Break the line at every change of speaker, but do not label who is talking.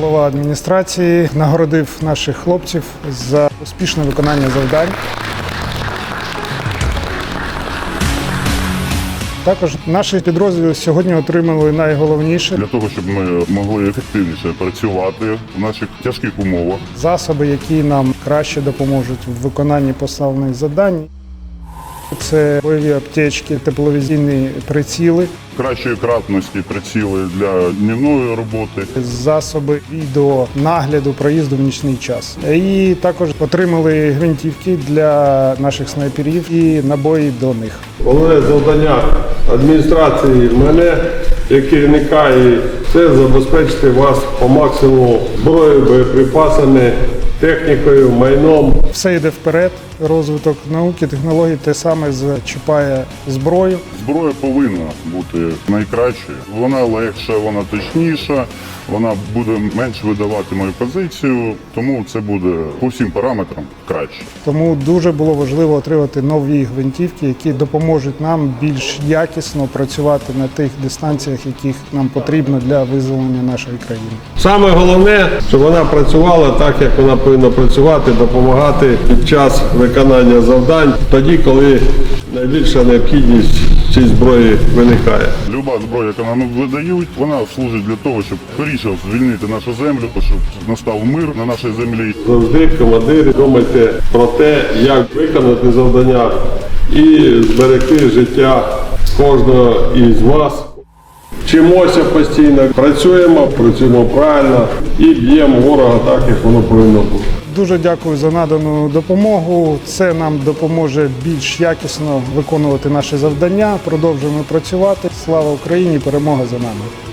голова адміністрації нагородив наших хлопців за успішне виконання завдань. Також наші підрозділи сьогодні отримали найголовніше
Для того, щоб ми могли ефективніше працювати в наших тяжких умовах.
засоби, які нам краще допоможуть в виконанні поставлених завдань. Це бойові аптечки, тепловізійні приціли,
Кращої кратності приціли для днівної роботи.
засоби відеонагляду проїзду в нічний час. І також отримали гвинтівки для наших снайперів і набої до них.
Головне завдання адміністрації мене, як керівника, і це забезпечити вас по максимуму зброєю, боєприпасами, технікою, майном.
Все йде вперед, розвиток науки, технологій те саме зачіпає зброю.
Зброя повинна бути найкращою. Вона легша, вона точніша, вона буде менш видавати мою позицію, тому це буде по всім параметрам краще.
Тому дуже було важливо отримати нові гвинтівки, які допоможуть нам більш якісно працювати на тих дистанціях, яких нам потрібно для визволення нашої країни.
Саме головне, щоб вона працювала так, як вона повинна працювати, допомагати під час виконання завдань, тоді, коли найбільша необхідність цієї зброї виникає.
Люба зброя, яку нам видають, вона служить для того, щоб скоріше звільнити нашу землю, щоб настав мир на нашій землі.
Завжди, командири, думайте про те, як виконати завдання і зберегти життя кожного із вас. Вчимося постійно, працюємо правильно і б'ємо ворога так, як воно повинно бути.
Дуже дякую за надану допомогу. Це нам допоможе більш якісно виконувати наші завдання. Продовжуємо працювати. Слава Україні! Перемога за нами!